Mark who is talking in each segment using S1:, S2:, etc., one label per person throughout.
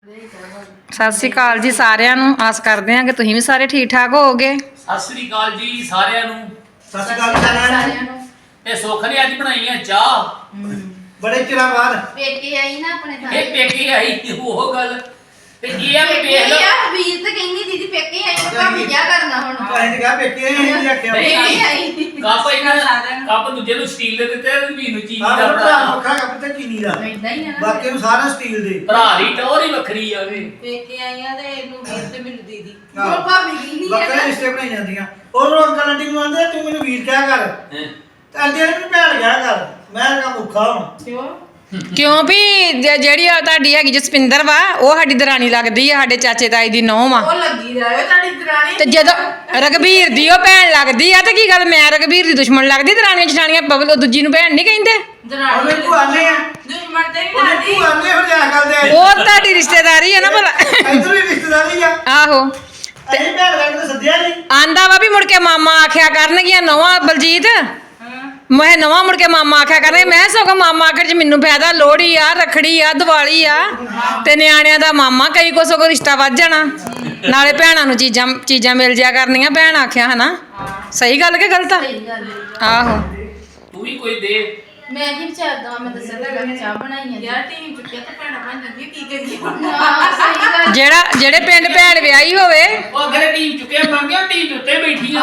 S1: ਸਤਿ ਸ਼੍ਰੀ ਅਕਾਲ ਜੀ ਸਾਰਿਆਂ ਨੂੰ। ਆਸ ਕਰਦੇ ਹਾਂ ਕਿ ਤੁਸੀਂ ਵੀ ਸਾਰੇ ਠੀਕ ਠਾਕ ਹੋਵੋਗੇ।
S2: ਸਤਿ ਸ਼੍ਰੀ ਅਕਾਲ ਜੀ ਸਾਰਿਆਂ ਨੂੰ।
S3: ਸਤਿ ਸ਼੍ਰੀ ਅਕਾਲ ਸਾਰਿਆਂ ਨੂੰ।
S2: ਤੇ ਸੁੱਖ ਨੇ ਅੱਜ ਬਣਾਈ ਆ ਚਾਹ
S3: ਬੜੇ ਚਿਰਾਂ ਬਾਅਦ
S4: ਪੇਕੇ ਆਈ ਨਾ ਆਪਣੇ ਤਾਂ
S2: ਇਹ ਪੇਕੇ ਆਈ ਉਹ ਗੱਲ ਤੇ ਇਹ ਆ ਵੀ ਵੇਖ ਲਓ
S4: ਯਾਰ ਵੀਰ ਤਾਂ ਕਹਿੰਦੀ ਦੀਦੀ ਪੇਕੇ ਆਈ ਤਾਂ ਭਾਵੇਂ ਕੀ ਕਰਨਾ ਹੁਣ
S3: ਅਸੀਂ ਕਿਹਾ ਪੇਕੇ ਨਹੀਂ ਆਖਿਆ
S4: ਪੇਕੇ ਆਈ
S2: ਕੱਪ ਇਹਨਾਂ ਕੱਪ ਦੂਜੇ ਨੂੰ ਸਟੀਲ ਦੇ ਦਿੱਤੇ ਤੇ ਵੀ ਨੂੰ ਚੀਨੀ ਦਾ
S3: ਭਰਾ
S2: ਭਰਾ
S3: ਵੱਖਰਾ ਕੱਪ ਤੇ ਚੀਨੀ ਦਾ
S4: ਇਦਾਂ ਹੀ ਆ ਨਾ
S3: ਬਾਕੀ ਨੂੰ ਸਾਰਾ ਸਟੀਲ ਦੇ
S2: ਭਰਾ ਦੀ ਟੋਰ ਹੀ ਵੱਖਰੀ ਆ ਉਹਦੇ
S4: ਪੇਕੇ ਆਈਆਂ ਤੇ ਇਹਨੂੰ ਵੀਰ ਤੇ ਮੈਨੂੰ ਦੀਦੀ ਉਹ ਭਾਬੀ ਕੀ ਨਹੀਂ
S3: ਵੱਖਰੇ
S4: ਹੈ
S3: ਰਿਸ਼ਤੇ ਬਣਾਈ ਜਾਂਦੀਆਂ ਉਹ ਅੰਕਲ ਆਂਟੀ ਨੂੰ ਆਂਦੇ ਤੂੰ ਮੈਨੂੰ ਵੀਰ ਕਿਹਾ ਕਰ
S2: ਹੈਂ।
S3: ਤੇ ਆਂਟੀ ਨੇ ਮੈਨੂੰ ਭੈਣ ਕਿਹਾ ਕਰ ਮੈਂ ਕਿਹਾ ਭੁੱਖਾ ਹੁਣ
S4: ਕਿਉਂ
S1: ਕਿਉਂ ਵੀ ਜਿਹੜੀ ਆ ਤੁਹਾਡੀ ਹੈਗੀ ਜਸਪਿੰਦਰ ਵਾ ਉਹ ਸਾਡੀ ਦਰਾਣੀ ਲੱਗਦੀ ਆ, ਸਾਡੇ ਚਾਚੇ ਤਾਈ ਦੀ ਨੂੰਹ ਵਾ।
S4: ਉਹ ਲੱਗੀ ਜਾਏ ਤੁਹਾਡੀ ਦਰਾਣੀ
S1: ਤੇ ਜਦੋਂ ਰਘਬੀਰ ਦੀ ਉਹ ਭੈਣ ਲੱਗਦੀ ਆ ਤੇ ਕੀ ਗੱਲ ਮੈਂ ਰਘਬੀਰ ਦੀ ਦੁਸ਼ਮਣ ਲੱਗਦੀ? ਦਰਾਣੀਆਂ ਜਠਾਣੀਆਂ ਬਬਲ ਦੂਜੀ ਨੂੰ ਭੈਣ ਨਹੀਂ ਕਹਿੰਦੇ।
S4: ਦਰਾਣੀ
S3: ਉਹਨੇ ਭੂਆ ਨੇ ਆ
S4: ਦੁਸ਼ਮਣ ਤੇ ਨਹੀਂ
S3: ਉਹਨੇ
S4: ਲਾਦੀ
S3: ਭੂਆ ਨੇ ਹੋ ਜਾ ਕਰਦੇ
S1: ਉਹ ਤੁਹਾਡੀ ਰਿਸ਼ਤੇਦਾਰੀ ਆ ਨਾ ਭਲਾ।
S3: ਇੱਧਰ ਵੀ ਰਿਸ਼ਤੇਦਾਰੀ ਆ
S1: ਆਹੋ
S3: ਅਸੀਂ ਭੈਣ ਲੱਗਦੇ ਸੱਦਿਆ ਨਹੀਂ
S1: ਆਂਦਾ ਵਾ ਵੀ ਮੁੜ ਕੇ ਮਾਮਾ ਆਖਿਆ ਕਰਨਗੀਆਂ ਨਵਾਂ ਬਲਜੀਤ ਮੈਂ ਨਵਾਂ ਮੁੜ ਕੇ ਮਾਮਾ ਆਖਿਆ ਕਰਨਗੇ। ਮੈਂ ਸਗੋਂ ਮਾਮਾ ਆਖਰ ਚ ਮੈਨੂੰ ਫਾਇਦਾ, ਲੋਹੜੀ ਆ ਰੱਖੜੀ ਆ ਦੀਵਾਲੀ ਆ ਤੇ ਨਿਆਣਿਆਂ ਦਾ ਮਾਮਾ ਕਈ ਕੋ ਸਗੋਂ ਰਿਸ਼ਤਾ ਵੱਧ ਜਾਣਾ ਨਾਲੇ ਭੈਣਾਂ ਨੂੰ ਚੀਜ਼ਾਂ ਮਿਲ ਜਿਆ ਕਰਨੀਆਂ। ਭੈਣ ਆਖਿਆ ਹਨਾ ਸਹੀ ਗੱਲ ਕਿ ਗਲਤ ਆ?
S4: ਸਹੀ ਗੱਲ ਹੈ
S1: ਆਹੋ
S2: ਤੂੰ ਵੀ ਕੋਈ ਦੇ
S4: ਮੈਂ ਕੀ ਵਿਚਾਰਦਾ ਮੈਂ ਦੱਸਿਆ ਤਾਂ ਮੈਂ ਚਾਹ ਬਣਾਈ ਆ ਯਾਰ ਟੀਮ ਚੁੱਕਿਆ ਤਾਂ ਭੈਣਾ ਬਣ ਜਾਂਦੀ ਕੀ ਕਰੀਏ ਸਹੀ ਗੱਲ
S1: ਜਿਹੜੇ ਪਿੰਡ ਭੈਣ ਵਿਆਹੀ ਹੋਵੇ
S2: ਉਹ ਅਗਰੇ ਟੀਮ ਚੁੱਕਿਆ ਮੰਗਿਆ ਟੀਮ ਉੱਤੇ ਬੈਠੀਆਂ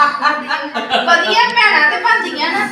S4: ਵਧੀਆ ਭੈਣਾ ਤੇ ਬਣਦੀਆਂ ਨਾ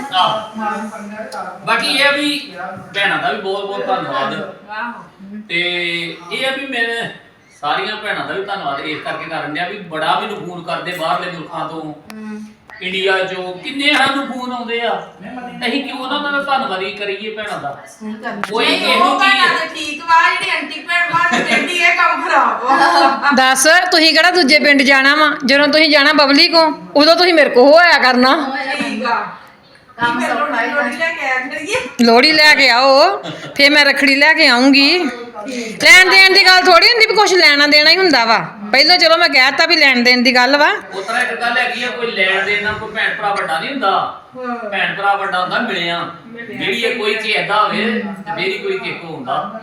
S2: ਬਾਕੀ ਇਹ ਆ ਵੀ ਭੈਣਾਂ ਦਾ ਵੀ ਬਹੁਤ ਬਹੁਤ ਧੰਨਵਾਦ। ਤੇ ਇਹ ਆ ਵੀ ਮੈਂ ਸਾਰੀਆਂ ਭੈਣਾਂ ਦਾ ਵੀ ਧੰਨਵਾਦ ਇਸ ਕਰਕੇ ਕਰਨ ਡਿਆ ਵੀ ਬੜਾ ਮੈਨੂੰ ਫੋਨ ਕਰਦੇ ਬਾਹਰਲੇ ਮੁਲਕਾਂ ਤੋਂ ਇੰਡੀਆ ਚੋਂ ਕਿੰਨੇ ਸਾਨੂੰ ਫੋਨ ਆਉਂਦੇ ਆ। ਅਸੀਂ ਕਿਉਂ ਉਹਨਾਂ ਦਾ ਧੰਨਵਾਦੀ ਕਰੀਏ ਭੈਣਾਂ ਦਾ? ਕੋਈ ਇਹੋ ਚੀਜ਼
S4: ਠੀਕ ਵਾ ਜਿਹੜੀ ਆਂਟੀ ਭੈਣ ਮਾਰ ਕਹਿੰਦੀ ਇਹ ਕੰਮ ਖਰਾਬ ਵਾ
S1: ਦੱਸ ਤੁਸੀਂ ਕਿਹੜਾ ਦੂਜੇ ਪਿੰਡ ਜਾਣਾ ਵਾ? ਜਦੋਂ ਤੁਸੀਂ ਜਾਣਾ ਬਬਲੀ ਕੋ ਉਦੋਂ ਤੁਸੀਂ ਮੇਰੇ ਕੋ ਹੋਇਆ ਕਰਨਾ।
S4: ਠੀਕ ਆ ਕੰਮ ਸੌਖਾ ਲੋੜੀ ਲੈ ਕੇ ਆਇਆ ਕਰੀਏ
S1: ਲੋਹੜੀ ਲੈ ਕੇ ਆਓ ਫੇਰ ਮੈਂ ਰੱਖੜੀ ਲੈ ਕੇ ਆਉਂਗੀ। ਲੈਣ ਦੇਣ ਦੀ ਗੱਲ ਥੋੜੀ ਹੁੰਦੀ ਵੀ ਕੁਝ ਲੈਣਾ ਦੇਣਾ ਹੀ ਹੁੰਦਾ ਵਾ। ਪਹਿਲਾਂ ਚਲੋ ਮੈਂ ਕਹਿਤਾ ਵੀ ਲੈਣ ਦੇਣ ਦੀ ਗੱਲ ਵਾ।
S2: ਉਸ ਤਰ੍ਹਾਂ ਇੱਕ ਗੱਲ ਹੈਗੀ ਆ ਕੋਈ ਲੈਣ ਦੇਣ ਨਾਲ ਕੋਈ ਭੈਣ ਭਰਾ ਵੱਡਾ ਨਹੀਂ ਹੁੰਦਾ। ਭੈਣ ਭਰਾ ਵੱਡਾ ਹੁੰਦਾ ਮਿਲਿਆ ਜਿਹੜੀ ਇਹ ਕੋਈ ਚੀਜ਼ਦਾ ਹੋਵੇ ਤੇ ਮੇਰੀ ਕੋਈ ਕਿੱਕੋ ਹੁੰਦਾ।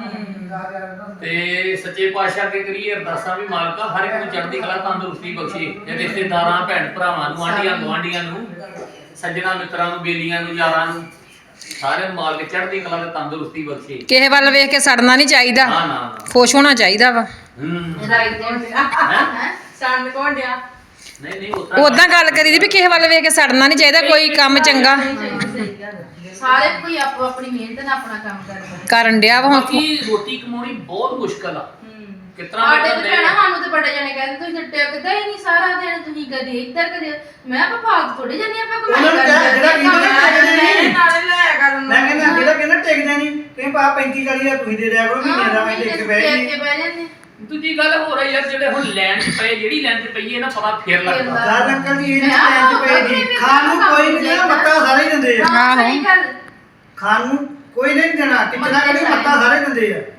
S2: ਤੇ ਸੱਚੇ ਪਾਤਸ਼ਾਹ ਅੱਗੇ ਕਰੀਏ ਅਰਦਾਸਾਂ ਵੀ ਮਾਲਕਾ ਹਰ ਇੱਕ ਨੂੰ ਚੜ੍ਹਦੀ ਕਲਾ ਤੰਦਰੁਸਤੀ ਬਖਸ਼ੇ ਤੇ ਰਿਸ਼ਤੇਦਾਰਾਂ ਭੈਣ ਭਰਾਵਾਂ ਨੂੰ ਆਂਢੀਆਂ ਗੁਆਂਢੀਆਂ ਨੂੰ ਸੱਜਣਾ ਮਿੱਤਰਾਂ ਨੂੰ ਬੇਲੀਆਂ ਨੂੰ ਯਾਰਾਂ ਨੂੰ ਸਾਰੇ ਮਾਲਕ ਚੜ੍ਹਦੀ ਕਲਾ ਤੇ ਤੰਦਰੁਸਤੀ ਬਖਸ਼ੇ।
S1: ਕਿਸੇ ਵੱਲ ਵੇਖ ਕੇ ਸੜਨਾ ਨਹੀਂ ਚਾਹੀਦਾ,
S2: ਨਾ ਨਾ
S1: ਖੁਸ਼ ਹੋਣਾ ਚਾਹੀਦਾ ਵਾ।
S4: ਰਾਈਟ ਹੈ ਸੰਨ ਕੋਣ ਡਿਆ
S2: ਨਹੀਂ ਨਹੀਂ ਉਤਰਾ
S1: ਉਦਾਂ ਗੱਲ ਕਰੀ ਦੀ ਵੀ ਕਿਸੇ ਵੱਲ ਵੇਖ ਕੇ ਸੜਨਾ ਨਹੀਂ ਚਾਹੀਦਾ। ਕੋਈ ਕੰਮ ਚੰਗਾ
S4: ਸਾਰੇ ਕੋਈ ਆਪੋ ਆਪਣੀ ਮਿਹਨਤ ਨਾਲ ਆਪਣਾ ਕੰਮ ਕਰਦਾ
S1: ਕਰਨ ਡਿਆ ਵਾ ਹੁਣ।
S2: ਬਾਕੀ ਰੋਟੀ ਕਮਾਉਣੀ ਬਹੁਤ ਮੁਸ਼ਕਲ ਆ। ਕਿਤਨਾ
S4: ਆਡੇ ਤੇ ਭੈਣਾ ਸਾਨੂੰ ਤੇ ਬੜੇ ਜਣੇ ਕਹਿੰਦੇ ਤੁਸੀਂ ਤੇ ਟਿਕਦਾ ਹੀ ਨਹੀਂ ਸਾਰਾ ਦਿਨ, ਤੁਸੀਂ ਕਦੇ ਇੱਧਰ ਕਦੇ ਮੈਂ ਆਪਾਂ ਫਾਲਤੂ ਥੋੜੀ ਜਾਂਦੇ ਆਪਾਂ ਕਮਾਈ
S3: ਉਹਨਾਂ ਨੂੰ
S4: ਕਰਦੇ
S3: ਜਿਹੜਾ ਕਹਿੰਦਾ
S4: ਨਾਲੇ ਲਾਇਆ ਕਰਨ
S3: ਮੈਂ ਕਹਿੰਦਾ ਜਿਹੜਾ ਕਹਿੰਦਾ ਟਿਕਦਾ ਨਹੀਂ ਕਹਿੰਦਾ ਪਾ 35-40 ਤੁਸੀਂ ਦੇ ਦਿਆ ਕਰੋ ਮਹੀਨੇ ਦਾ ਮੈਂ ਦੇਖ ਕੇ ਬਹਿ
S4: ਕੇ ਬਹਿ ਜਾਂਦੇ
S2: ਦੂਜੀ ਗੱਲ ਹੋ ਰਹੀ ਯਾਰ ਜਿਹੜੇ ਹੁਣ ਲੈਣ ਚ ਪਏ ਜਿਹੜੀ ਲੈਣ ਚ ਪਈ ਹੈ ਨਾ ਪਤਾ ਫੇਰ ਲੱਗਦਾ।
S3: ਦਾਦ ਅੰਕਲ ਜੀ ਇਹਨਾਂ ਟਾਈਮ ਤੇ ਪਏ ਜੀ ਖਾਣ ਨੂੰ ਕੋਈ ਨਹੀਂ ਦੇਣਾ ਮੱਤਾ ਸਾਰੇ ਹੀ ਦਿੰਦੇ ਆ।
S4: ਹਾਂ ਸਹੀ ਗੱਲ
S3: ਖਾਣ ਨੂੰ ਕੋਈ ਨਹੀਂ ਦੇਣਾ ਕਿਚਨਾ ਕਰੀ ਮੱਤਾ ਸਾਰੇ ਦਿੰਦੇ ਆ।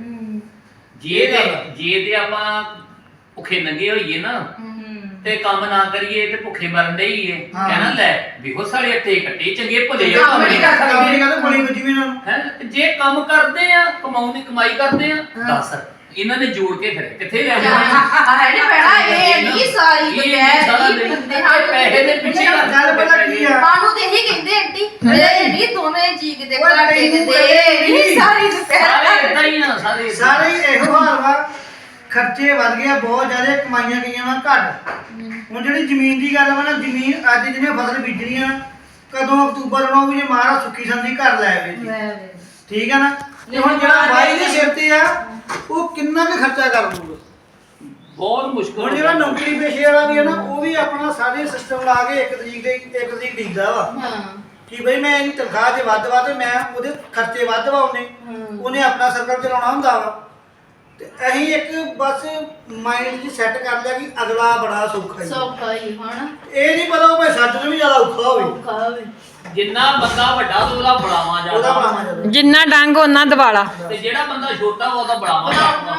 S2: ਜੇ ਤੇ ਆਪਾਂ ਭੁੱਖੇ ਨੰਗੇ ਹੋਈਏ ਨਾ ਤੇ ਕੰਮ ਨਾ ਕਰੀਏ ਤੇ ਭੁੱਖੇ ਮਰਨ ਦੇ ਹੀ ਹੈ। ਕਹਿਣਾ ਲੈ ਵਿਹੋ ਸਾਲੇ ਅੱਟੇ ਕੱਟੇ ਚੰਗੇ ਭਲੇ ਆ
S3: ਕੰਮ ਨਹੀਂ ਕਰਦੇ ਬੋਲੀ ਵਿੱਚ ਵੀ ਨਾ
S2: ਹੈ। ਜੇ ਕੰਮ ਕਰਦੇ ਆ ਕਮਾਉਣ ਦੀ ਕਮਾਈ ਕਰਦੇ ਆ ਦੱਸ ਇਹਨਾਂ ਨੇ ਜੋੜ ਕੇ ਫਿਰ ਕਿੱਥੇ ਲੈ ਜਾਣਾ?
S4: ਹੈ ਨਹੀਂ ਭੈਣਾ ਇਹ ਨਹੀਂ ਸਾਰੀ ਕੋਈ ਹੈ ਬੰਦੇ ਹਾਂ
S2: ਪੈਸੇ ਦੇ ਪਿੱਛੇ
S3: ਗੱਲ ਪਤਾ ਕੀ ਆ
S4: ਸਾਨੂੰ ਤੇ ਇਹੀ ਕਹਿੰਦੇ ਆਂਟੀ ਇਹ ਨਹੀਂ ਦੋਵੇਂ ਜੀ ਕਿਤੇ ਘਰ ਟਿਕਦੇ ਨਹੀਂ ਸਾਰੀ
S2: ਸਾਰੇ ਇਦਾਂ ਹੀ ਆ
S3: ਸਾਰੇ ਇਹੋ ਹਾਲ ਵਾ। ਖਰਚੇ ਵੱਧ ਗਏ ਬਹੁਤ ਜ਼ਿਆਦਾ ਕਮਾਈਆਂ ਗਈਆਂ ਵਾ ਘੱਟ। ਹੁਣ ਜਿਹੜੀ ਜ਼ਮੀਨ ਦੀ ਗੱਲ ਵਾ ਨਾ ਜ਼ਮੀਨ ਅੱਜ ਜਿਹਨੇ ਫਸਲ ਬੀਜਣੀ ਆ ਕਦੋਂ ਅਕਤੂਬਰ ਨੂੰ ਵੀ ਜੇ ਮਾਰਾ ਸੁੱਕੀ ਸੰਦੀ ਘਰ ਲੈ ਆਵੇ ਜੀ ਠੀਕ ਆ ਨਾ। ਤੇ ਹੁਣ ਜਿਹੜਾ ਬਾਈ ਦੇ ਸਿਰ ਤੇ ਆ ਉਹ ਕਿੰਨਾ ਕੁ ਖਰਚਾ ਕਰ ਦੂਗਾ।
S2: ਬਹੁਤ ਮੁਸ਼ਕਲ
S3: ਹੁਣ ਜਿਹੜਾ ਨੌਕਰੀ ਪੇਸ਼ੇ ਵਾਲਾ ਵੀ ਹੈ ਨਾ ਉਹ ਵੀ ਆਪਣਾ ਸਾਰੇ ਸਿਸਟਮ ਲਾ ਕੇ ਇੱਕ ਤਰੀਕ ਡੀਕਦਾ ਵਾ ਕਿ ਬਈ ਮੈਂ ਇਹਦੀ ਤਨਖਾਹ ਜੇ ਵੱਧ ਵਾ ਤੇ ਮੈਂ ਉਹਦੇ ਖਰਚੇ ਵੱਧ ਵਾ ਉਹਨੇ ਆਪਣਾ ਸਰਕਲ ਚਲਾਉਣਾ ਹੁੰਦਾ ਵਾ। ਤੇ ਅਸੀਂ ਇੱਕ ਬਸ ਮਾਈਂਡ 'ਚ ਸੈੱਟ ਕਰ ਲਿਆ ਕਿ ਅਗਲਾ ਬੜਾ ਸੌਖਾ
S4: ਹੀ ਹੁਣ
S3: ਇਹ ਨਹੀਂ ਪਤਾ ਉਹ ਭਾਈ ਸਾਡੇ ਤੋਂ ਵੀ ਜ਼ਿਆਦਾ ਔਖਾ ਹੋਵੇ।
S2: ਜਿੰਨਾ ਬੰਦਾ ਵੱਡਾ ਉਹਦਾ ਬੜਾਵਾ
S3: ਉਹਦਾ
S2: ਜ਼ਿਆਦਾ
S3: ਬੜਾ ਮਜ਼ਾ
S1: ਜਿੰਨਾ ਡੰਗ ਉਹਨਾਂ ਦਿਵਾਲਾ।
S2: ਤੇ ਜਿਹੜਾ ਬੰਦਾ ਛੋਟਾ ਉਹਦਾ ਬੜਾਵਾ ਜ਼ਿਆਦਾ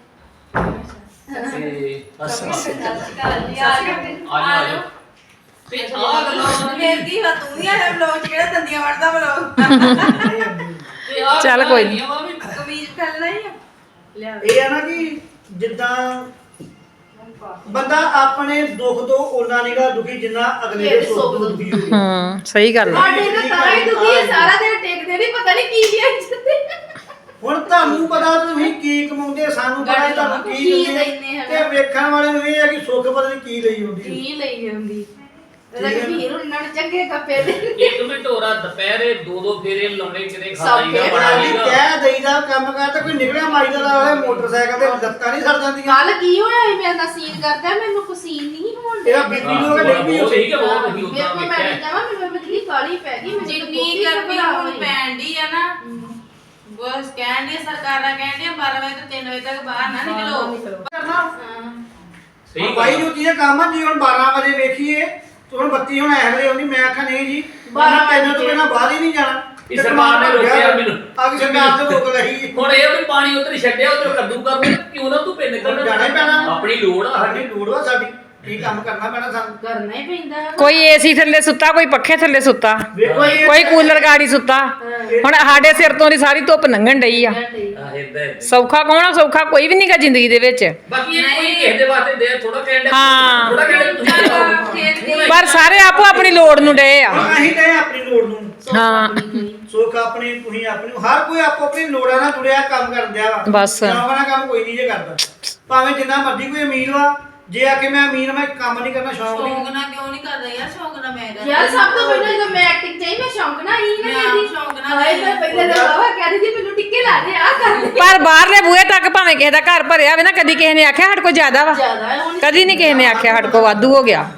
S2: ਤੇ ਬਸ ਆ ਜਾਓ ਤੇ ਆ ਗੱਲਾਂ
S4: ਫੇਰ ਕੀ ਵਾ ਤੂੰ ਹੀ ਆ ਵਲੌਗ ਜਿਹੜਾ ਦੰਦੀਆਂ ਵੜਦਾ ਵਲੌਗ
S1: ਚੱਲ ਕੋਈ ਨੀ।
S4: ਕਮੀਜ਼ ਫੈਲਣਾ ਹੀ ਆ
S3: ਇਹ ਆ ਨਾ ਕਿ ਜਿੱਦਾਂ ਬੰਦਾ ਆਪਣੇ ਦੁੱਖ ਤੋਂ ਉਹਨਾਂ ਨਿਗਾ ਦੁਖੀ ਜਿੰਨਾ ਅਗਲੇ ਦੇ ਸੁੱਖ ਤੋਂ ਦੁਖੀ ਹੋਵੇ।
S1: ਸਹੀ ਗੱਲ ਆ।
S4: ਸਾਡੇ ਤਾਂ ਤਾਂ ਹੀ ਦੁਖੀ ਹੈ, ਸਾਰਾ ਦਿਨ ਟੇਕਦੇ ਨਹੀਂ, ਪਤਾ ਨਹੀਂ ਕੀ ਲਿਆਉਂਦੇ।
S3: ਹੁਣ ਤੁਹਾਨੂੰ ਪਤਾ ਤੁਸੀਂ ਕੀ ਕਮਾਉਂਦੇ, ਸਾਨੂੰ ਪਤਾ ਤੁਹਾਨੂੰ ਕੀ
S4: ਕੀ
S3: ਦਿੰਦੇ
S4: ਦਿੰਦੇ ਹਨ।
S3: ਤੇ ਵੇਖਣ ਵਾਲੇ ਨੂੰ ਇਹ ਹੈ ਕਿ ਸੁੱਖ ਪਤਾ ਨਹੀਂ ਕੀ ਲਈ ਹੁੰਦੀ।
S4: ਕੀ ਲਈ ਹੁੰਦੀ ਰਘਵੀਰ ਉਹਨਾਂ ਨੇ ਚੰਗੇ ਕੱਪੇ ਦੇ
S2: ਇੱਕ ਮਿੰਟ ਹੋਰਾ ਦੁਪਹਿਰੇ 2-2 ਫੇਰੇ ਲਾਉਣੇ ਕਿਤੇ
S4: ਸਭ
S2: ਖਾਈਦਾ
S4: ਫੇਰ
S2: ਬੜਾ
S3: ਅਸੀਂ
S2: ਹੀਗਾ।
S3: ਕਹਿ ਦਈਦਾ ਕੰਮ ਕਰ ਤੇ ਕੋਈ ਨਿਕਲਿਆ ਮਾਈ ਦਾ ਵਾਲੇ ਮੋਟਰਸਾਈਕਲ ਤੇ ਲੱਤਾਂ ਨਹੀਂ ਸੜ ਜਾਂਦੀਆਂ।
S4: ਕੱਲ ਕੀ ਹੋਇਆ ਸੀ, ਮੇਰੇ ਨਾਲ ਸੀਨ ਕਰਦਾ, ਮੈਨੂੰ ਪਸੀਨ ਨਹੀਂ ਹੋਣ
S3: ਇਹਦਾ
S4: ਡਿਆ।
S3: ਬੀਬੀ ਨੂੰ ਉਹ ਡਿੱਗ ਪਈ
S2: ਬਹੁਤ
S3: ਉੱਥੇ।
S2: ਠੀਕ ਹੈ, ਬਹੁਤ ਹੀ
S4: ਮੇਰੇ
S2: ਉਦਾਂ
S4: ਕੋਲ ਮੈਂ
S2: ਵੇਖਿਆ
S4: ਨਹੀਂ ਜਾਵਾਂ, ਮੈਨੂੰ ਮਤਲੀ ਕਾਲੀ ਪੈ ਗਈ, ਮੈਨੂੰ
S5: ਜਿੰਨੀ ਗਰਮੀ ਹੁਣ ਪੈਣ ਡਈ ਆ ਨਾ ਬਸ ਕਹਿਣ ਦੀ ਸਰਕਾਰਾਂ ਕਹਿੰਦੀਆਂ 12 ਵਜੇ ਤੋਂ 3 ਵਜੇ ਤੱਕ ਬਾਹਰ ਨਾ ਨਿਕਲੋ।
S3: ਕਰਨਾ
S2: ਸਹੀ
S3: ਬਾਈ ਨੂੰ ਕੀ ਕੰਮ ਆ ਜੀ। ਹੁਣ 12 ਵਜੇ ਵੇਖੀਏ ਤੇ ਹੁਣ ਬੱਤੀ ਹੁਣ ਐ ਵੇਲੇ ਆਉਂਦੀ। ਮੈਂ ਆਖਾਂ ਨਹੀਂ ਜੀ 12 ਵਜੇ ਤੋਂ ਬਿਨਾਂ ਬਾਹਰ ਹੀ ਨਹੀਂ ਜਾਣਾ।
S2: ਇਸ ਸਰਕਾਰ ਨੇ ਰੋਕਿਆ ਮੈਨੂੰ।
S3: ਅਗ ਸਰਕਾਰ ਤੇ ਰੋਕ ਲਈ।
S2: ਹੁਣ ਇਹ ਵੀ ਪਾਣੀ ਉਧਰ ਛੱਡਿਆ ਉਧਰ ਕੱਦੂ ਕਰਨਾ ਕਿਉਂ ਨਾ ਤੂੰ ਪਿੰਡ ਨਿਕਲਣਾ
S3: ਜਾਣਾ ਹੀ ਪੈਣਾ।
S2: ਆਪਣੀ ਲੋੜ ਆ
S3: ਸਾਡੀ ਲੋੜ ਵਾ ਸਾਡੀ ਕੀ ਕੰਮ ਕਰਨਾ ਪੈਣਾ ਸਾਨੂੰ।
S4: ਕਰਨਾ ਹੀ ਪੈਂਦਾ।
S1: ਕੋਈ ਏਸੀ ਥੱਲੇ ਸੁੱਤਾ, ਕੋਈ ਪੱਖੇ ਥੱਲੇ ਸੁੱਤਾ,
S3: ਵੇਖੋ ਇਹ
S1: ਕੋਈ ਕੂਲਰ ਗਾੜੀ ਸੁੱਤਾ। ਹੁਣ ਸਾਡੇ ਸਿਰ ਤੋਂ ਦੀ ਸਾਰੀ ਧੁੱਪ ਲੰਘਣ ਡਈ ਆ।
S2: ਇਦਾਂ
S1: ਸੌਖਾ ਕੌਣ ਆ? ਸੌਖਾ ਕੋਈ ਵੀ ਨਹੀਂਗਾ ਜ਼ਿੰਦਗੀ ਦੇ ਵਿੱਚ।
S2: ਬਾਕੀ ਇਹ ਕੋਈ ਕਿਸੇ ਦੇ ਵਾਸਤੇ ਦੇ ਥੋੜਾ ਕਹਿੰਦੇ
S1: ਹਾਂ।
S2: ਥੋੜਾ ਕਹਿੰਦੇ ਤੁਸੀਂ ਕਰੋ।
S5: ਖੇਤ ਦੀ
S1: ਪਰ ਸਾਰੇ ਆਪੋ ਆਪਣੀ ਲੋੜ ਨੂੰ ਡਏ ਆ।
S3: ਹੁਣ ਅਸੀਂ ਗਏ ਆਪਣੀ ਲੋੜ ਨੂੰ।
S1: ਹਾਂ
S3: ਸੁੱਖ ਆਪਣੀ ਤੁਸੀਂ ਆਪਣੀ ਹਰ ਕੋਈ ਆਪੋ ਆਪਣੀ ਲੋੜਾਂ ਨਾਲ ਜੁੜਿਆ ਕੰਮ ਕਰਨ ਦਿਆ ਵਾ।
S1: ਬਸ।
S3: ਸ਼ੌਂਕ ਕੰਮ ਕੋਈ ਨਹੀਂ ਜੇ ਕਰਦਾ। ਭਾਵੇਂ ਜਿੰਨਾ ਮਰਜ਼ੀ ਕੋਈ ਅਮੀਰ ਵਾ, ਜੇ ਆ ਕੇ ਮੈਂ ਅਮੀਰ ਮੈਂ ਕੰਮ ਨਹੀਂ ਕਰਨਾ, ਸ਼ੌਂਕ ਨਹੀਂ।
S5: ਸ਼ੌਂਕ ਨਾਲ ਕਿਉਂ ਨਹੀਂ ਕਰਦਾ ਯਾਰ, ਸ਼ੌਂਕ ਨਾਲ ਮੈਂ ਕਰਦਾ।
S4: ਯਾਰ ਸਭ ਤੋਂ ਪਹਿਲਾਂ ਜਦੋਂ ਮੈਂ ਐਕਟਿੰਗ ਚਾਹੀ, ਮੈਂ ਸ਼ੌਂਕ ਨਾ ਹੀ ਨਾ
S5: ਮੈਂ
S4: ਕਹਿੰਦੀ
S5: ਸ਼ੌਂਕ ਨਾਲ
S4: ਹਾਏ ਮੈਂ ਪਹਿਲੇ ਤਾਂ ਬਾਬਾ ਕਹਿੰਦੀ ਸੀ ਮੈਨੂੰ ਟਿੱਕੇ ਲਾ ਦੇ ਆ ਕਰ ਦੇ।
S1: ਪਰ ਬਾਹਰਲੇ ਬੂਹੇ ਤੱਕ ਭਾਵੇਂ ਕਿਸੇ ਦਾ ਘਰ ਭਰਿਆ ਹੋਵੇ ਨਾ, ਕਦੀ ਕਿਸੇ ਨੇ ਆਖਿਆ ਸਾਡੇ ਕੋਲ ਜ਼ਿਆਦਾ ਵਾ।
S4: ਜ਼ਿਆਦਾ ਹੈ ਹੁਣ।
S1: ਕਦੀ ਨਹੀਂ ਕਿਸੇ ਨੇ ਆਖਿਆ ਸਾਡੇ ਕੋਲ ਵਾਧੂ ਹੋ ਗਿਆ।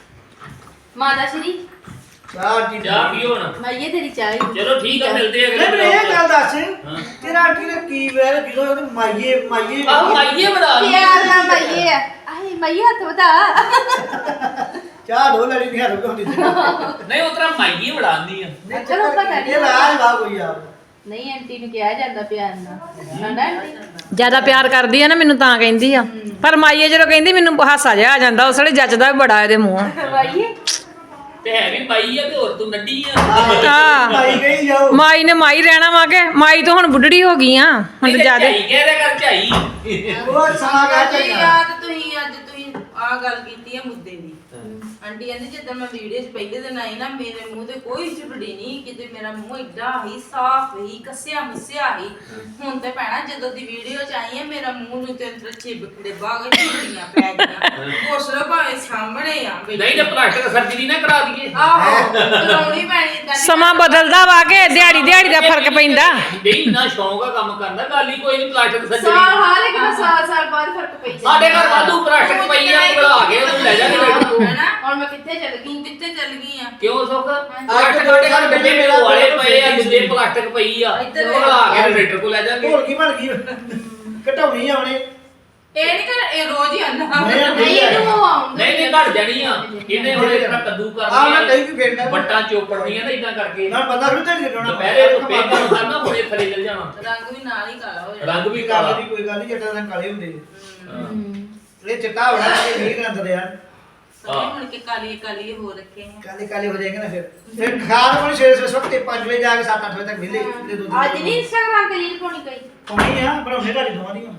S4: ਮਾਤਾ ਸ਼੍ਰੀ
S3: ਚਾਹ ਜੀ
S2: ਚਾਹ ਪੀਓ ਹੁਣ।
S4: ਮਾਈਏ ਤੇਰੀ ਚਾਹ
S2: ਚਲੋ ਠੀਕ ਆ, ਮਿਲਦੇ ਆ
S3: ਨਹੀਂ
S2: ਅਗਲੇ
S3: ਮੈਨੂੰ ਇਹ ਗੱਲ ਦੱਸ
S2: ਹਾਂ।
S3: ਤੇਰਾ ਆਂਟੀ ਨੇ ਕੀ ਵੇਰ ਜਦੋਂ ਉਹਦੇ ਮਾਈਏ
S2: ਆਹ ਮਾਈਏ ਬਣਾ ਲਈ।
S4: ਪਿਆਰ ਨਾਲ ਮਾਈਏ ਆ। ਆਏ ਮਾਈਏ ਹੱਥ ਵਧਾ।
S3: ਚਾਹ ਢੋ ਲੜੀ ਨਹੀਂ ਹੱਥ ਹੁੰਦੀ
S2: ਨਹੀਂ ਉਤਰਾ ਮਾਈਏ ਬਣਾਉਂਦੀ ਆ।
S4: ਚਲੋ ਪਤਾ ਨਹੀਂ।
S3: ਇਹ ਲਾਜ ਵਾ ਕੋਈ ਆ।
S4: ਨਹੀਂ ਆਂਟੀ ਨੂੰ ਕਿਹਾ ਜਾਂਦਾ ਪਿਆਰ ਨਾਲ ਨਾ ਆਂਟੀ।
S1: ਜ਼ਿਆਦਾ ਪਿਆਰ ਕਰਦੀ ਆ ਨਾ ਮੈਨੂੰ ਤਾਂ ਕਹਿੰਦੀ ਆ। ਪਰ ਮਾਈਏ ਜਦੋਂ ਕਹਿੰਦੀ ਮੈਨੂੰ ਹਾਸਾ ਜਿਹਾ ਆ ਜਾਂਦਾ। ਉਸ ਵੇਲੇ ਜੱਚਦਾ ਵੀ ਬੜਾ ਇਹਦੇ ਮੂੰਹ।
S4: ਮਾਈਏ
S2: ਤੇ ਹੈ ਵੀ ਮਾਈ ਆ ਤੇ ਹੋਰ ਤੂੰ ਨੱਡੀ ਆ।
S1: ਹਾਂ।
S3: ਮਾਈ ਗਈ ਜਾਓ।
S1: ਮਾਈ ਨੇ ਮਾਈ ਰਹਿਣਾ ਵਾ ਕੇ ਮਾਈ ਤਾਂ ਹੁਣ ਬੁੱਢੜੀ ਹੋ ਗਈ ਆ। ਹੁਣ ਤਾਂ ਜ਼ਿਆਦਾ
S2: ਝਾਈ ਕਹਿ ਰਿਹਾ ਕਰ ਝਾਈ।
S3: ਉਹ ਸਮਾਂ ਗਾ
S5: ਜੀ
S3: ਚੱਲਣਾ।
S5: ਯਾਦ ਤੁਸੀਂ ਆ ਗੱਲ ਕੀਤੀ ਹੈ ਮੁੱਦੇ ਦੀ। ਆਂਟੀ ਕਹਿੰਦੀ ਜਦੋਂ ਮੈਂ ਵੀਡੀਓ 'ਚ ਪਹਿਲੇ ਦਿਨ ਆਈ ਨਾ, ਮੇਰੇ ਮੂੰਹ ਤੇ ਕੋਈ ਝੁਰੜੀ ਨਹੀਂ, ਕਿਤੇ ਮੇਰਾ ਮੂੰਹ ਏਡਾ ਹੀ ਸਾਫ਼ ਹੀ ਕੱਸਿਆ ਮੁੱਸਿਆ ਹੀ। ਹੁਣ ਤੇ ਭੈਣਾ ਜਦੋਂ ਦੀ ਵੀਡੀਓ 'ਚ ਆਈ ਹੈ, ਮੇਰਾ ਮੂੰਹ ਨੂੰ ਤੇ ਚਿਬਕੜੇ ਬਾਗ ਝੁਰੜੀਆਂ ਪੈ ਗਈਆਂ। ਪੁੱਛ ਲਓ ਭਾਵੇਂ ਸਾਹਮਣੇ ਆ ਬੈਠੀ।
S2: ਨਹੀਂ ਤੇ ਪਲਾਸਟਿਕ ਸਰਜਰੀ ਨਾ ਕਰਾ ਦਈਏ।
S5: ਆਹੋ ਕਰਾਉਣੀ ਪੈਣੀ ਏਦਾਂ ਦੀ।
S1: ਸਮਾਂ ਬਦਲਦਾ ਵਾ ਕੇ ਦਿਹਾੜੀ ਦਾ ਫਰਕ ਪੈਂਦਾ।
S2: ਨਹੀਂ ਨਾ ਸ਼ੌਂਕ ਆ ਕੰਮ ਕਰਨ ਦਾ, ਗੱਲ ਹੀ ਕੋਈ ਨਹੀਂ ਪਲਾਸਟਿਕ
S4: ਸਾਲ
S2: ਸਰਜਰੀ।
S4: ਹਾਲੇ ਕਿੰਨਾ ਸਾਲ ਬਾਅਦ ਫਰਕ ਪਈ ਜਾਂਦਾ।
S2: ਸਾਡੇ ਘਰ ਵਾਧੂ ਪਲਾਸਟਿਕ ਪਈ ਆ, ਬਣਾ ਕੇ ਉਹਨੂੰ ਲੈ ਜਾਗੇ।
S5: ਹੈਨਾ?
S4: ਹੁਣ ਮੈਂ ਕਿੱਥੇ ਚੱਲ ਗਈ?
S5: ਤੂੰ ਕਿੱਥੇ ਚੱਲ ਗਈ ਆ?
S2: ਕਿਉਂ ਸੁੱਖ? ਪਲਾਸਟਿਕ ਸਾਡੇ ਘਰ ਡੱਬੇ ਮੇਰੇ ਵਾਲੇ ਪਏ ਆ, ਜਿੱਦੇ ਪਲਾਸਟਿਕ ਪਈ ਆ।
S5: ਇੱਧਰ
S2: ਉਹ ਬਣਾ ਕੇ ਰੇਟਰ ਕੋ ਲੈ ਜਾਗੇ।
S3: ਢੋਲ ਕੀ ਬਣ ਗਈ ਘਟਾਉਣੀ ਆ ਉਹਨੇ।
S5: ਇਹ ਨਹੀਂ ਕਰ, ਇਹ ਰੋਜ਼ ਹੀ ਆਂਦਾ।
S4: ਨਹੀਂ ਇਹਨੂੰ ਉਹ ਆਉਂਦਾ
S2: ਨਹੀਂ ਘਟ ਜਾਣੀ ਆ। ਇਹਨੇ ਹੁਣ ਇਤਨਾ ਕੱਦੂ
S3: ਆ ਮੈਂ ਕਹੀ
S2: ਕਰਨੀ
S3: ਵੀ ਫੇਰ
S2: ਆ, ਵੱਟਾਂ ਚੋਪੜਨੀਆਂ ਨਾ ਇਦਾਂ ਕਰਕੇ।
S3: ਨਾ ਪਤਾ ਫਿਰ ਤੇ ਲਿਖਣਾ
S2: ਦੁਪਹਿਰੇ ਤੋਂ ਪੇਪਰ ਕਰਨਾ, ਹੁਣੇ ਥੱਲੇ ਚੱਲ ਜਾਣਾ।
S5: ਰੰਗ ਵੀ ਨਾਲ ਹੀ ਕਾਲਾ ਹੋ ਜਾਣਾ।
S2: ਰੰਗ ਵੀ
S3: ਕੋਈ
S2: ਕਾਲਾ।
S3: ਗੱਲ ਨਹੀਂ ਕੋਈ ਗੱਲ ਨਹੀਂ ਜੱਟਾਂ ਦਾ ਕਾਲੇ ਹੁੰਦੇ
S2: ਹਾਂ।
S3: ਇਹ ਚਿੱਟਾ ਹੋਣਾ ਇਹ ਨਹੀਂ ਕਰਦਾ ਯਾਰ।
S5: ਸਾਰੇ ਹੁਣ ਕੇ ਕਾਲੀ ਕਾਲੀ ਹੋ ਰੱਖੇ हैं।
S3: ਕਾਲੇ ਕਾਲੇ ਹੋ ਜਾਏਗਾ ਨਾ ਫਿਰ ਖਾਣ ਕੋਲ ਸਵੇਰੇ ਸਵੇਰੇ 5 ਵਜੇ ਜਾ ਕੇ 7-8 ਵਜੇ ਤੱਕ ਵਿਹਲੇ
S4: ਅੱਜ ਨਹੀਂ ਇੰਸਟਾਗ੍ਰਾਮ ਤੇ ਰੀਲ ਪਾਉਣੀ ਕੋਈ।
S3: ਪਾਉਣੀ ਆ ਬਣਾਉਣੇ ਘਰ ਦੋਵਾਂ ਦੀਆਂ।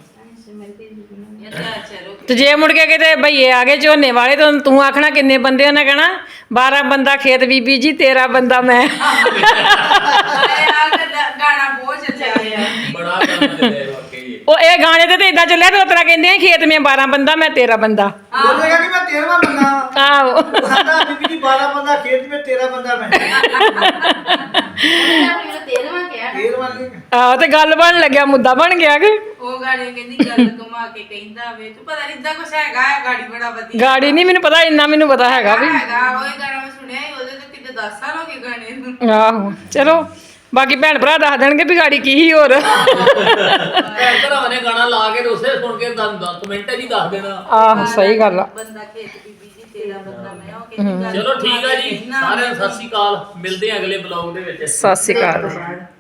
S5: अच्छा रुक।
S1: ਤੇ ਜੇ ਮੁੜ ਕੇ ਕਿਤੇ ਭਈਏ ਆ ਗਏ ਝੋਨੇ ਵਾਲੇ ਤਾਂ ਤੂੰ ਆਖਣਾ ਕਿੰਨੇ ਬੰਦੇ ਉਹਨੇ ਕਹਿਣਾ 12 ਬੰਦਾ ਖੇਤ ਬੀਬੀ ਜੀ 13 ਬੰਦਾ ਮੈਂ।
S5: अरे यार गाना बहुत अच्छा है।
S2: ਬੜਾ ਕੰਮ ਦੇ ਵਾਕਈ।
S1: ਉਹ ਇਹ ਗਾਣੇ ਤੇ ਇਦਾਂ ਚੱਲਿਆ ਤੇ ਉਤਰਾ ਕਹਿੰਦੇ ਆ ਖੇਤ ਮੇ 12 ਬੰਦਾ ਮੈਂ 13 ਬੰਦਾ।
S3: ਬੋਲੇਗਾ ਕਿ ਮੈਂ 13ਵਾਂ ਬੰਦਾ ਹਾਂ।
S1: ਆਹੋ
S3: ਉਹ ਕਹਿੰਦਾ ਬੀਬੀ ਜੀ 12 ਬੰਦਾ ਖੇਤ ਵਿੱਚ 13 ਬੰਦਾ ਮੈਂ।
S4: ਉਹਨੇ ਆਪਣੀ ਨੂੰ 13ਵਾਂ ਕਿਹਾ ਨਾ।
S3: 13ਵਾਂ ਨਹੀਂ
S1: ਆਹੋ ਤੇ ਗੱਲ ਬਣ ਲੱਗਿਆ, ਮੁੱਦਾ ਬਣ ਗਿਆ ਕਿ
S5: ਉਹ ਗਾੜੀ ਕਹਿੰਦੀ ਗੱਲ ਘੁਮਾ ਕੇ ਕਹਿੰਦਾ ਵੇ ਤੂੰ ਪਤਾ ਨਹੀਂ ਇਦਾਂ ਕੁਛ ਹੈਗਾ ਹੈ ਗਾੜੀ ਬੜਾ ਵਧੀਆ
S1: ਗਾੜੀ ਨਹੀਂ ਮੈਨੂੰ ਪਤਾ, ਇੰਨਾ ਮੈਨੂੰ ਪਤਾ ਹੈਗਾ ਵੀ।
S5: ਹੈਗਾ ਉਹ ਗਾਣਾ ਮੈਂ ਸੁਣਿਆ ਸੀ, ਉਹਦੇ ਤੋਂ ਕਿਤੇ 10 ਸਾਲ ਹੋ ਗਏ ਗਾਣੇ ਨੂੰ।
S1: ਆਹੋ ਚਲੋ ਬਾਕੀ ਭੈਣ ਭਰਾ ਦੱਸ ਦੇਣਗੇ ਵੀ ਗਾੜੀ ਕੀ ਸੀ ਹੋਰ।
S2: ਭੈਣ ਭਰਾਵਾਂ ਨੇ ਗਾਣਾ ਲਾ ਕੇ ਤੇ ਉਸੇ ਸੁਣ ਕੇ 10 ਮਿੰਟ ਹੀ ਦੱਸ ਦੇਣਾ।
S1: ਆਹੋ ਸਹੀ ਗੱਲ ਆ।
S5: ਬੰਦਾ ਖੇਤ ਬੀਬੀ ਜੀ ਤੇਰਾ ਬੰਦਾ ਮੈਂ ਉਹ ਕਹਿੰਦੀ ਗੱਲ
S2: ਚਲੋ ਠੀਕ ਆ ਜੀ,
S5: ਘੁਮਾ ਕੇ
S2: ਸਾਰਿਆਂ ਨੂੰ ਸਤਿ ਸ਼੍ਰੀ ਅਕਾਲ। ਮਿਲਦੇ ਆ ਅਗਲੇ ਬਲੌਗ ਦੇ ਵਿੱਚ।
S1: ਸਤਿ ਸ਼੍ਰੀ ਅਕਾਲ।